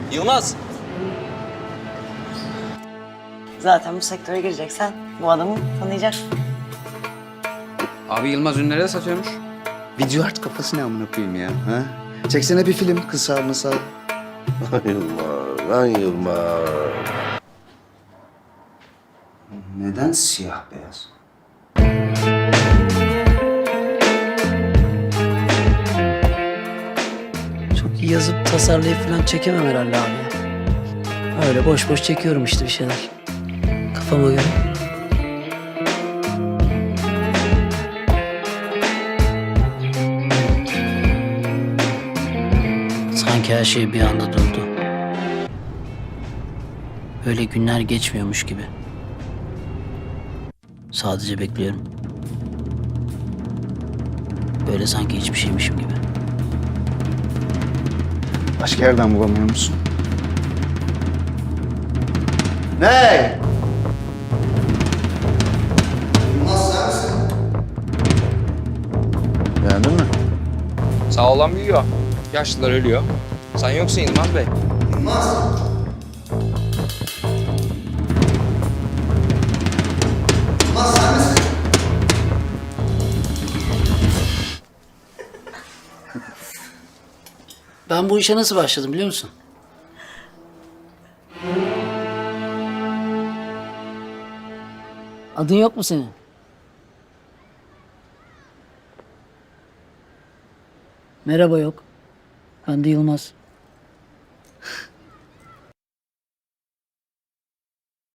Yılmaz. Zaten bu sektöre gireceksen bu adamı tanıyacaksın. Abi Yılmaz ünlere de satıyormuş. Video art kafası ne amına koyayım ya? Ha? Çeksene bir film kısa mısa. Lan Yılmaz, lan Yılmaz. Neden siyah beyaz? Çok iyi yazıp tasarlayıp falan çekemem herhalde abi ya. Öyle boş boş çekiyorum işte bir şeyler. Kafama göre. Sanki her şey bir anda durdu. Öyle günler geçmiyormuş gibi. Sadece bekliyorum. Böyle sanki hiçbir şeymişim gibi. Başka yerden bulamıyor musun? Ne? Yılmaz sen misin? Beğendin mi? Sağ olan büyüyor. Yaşlılar ölüyor. Sen yoksun Yılmaz Bey. Yılmaz. Yılmaz sen misin? Ben bu işe nasıl başladım biliyor musun? Adın yok mu senin? Merhaba yok. Ben de Yılmaz.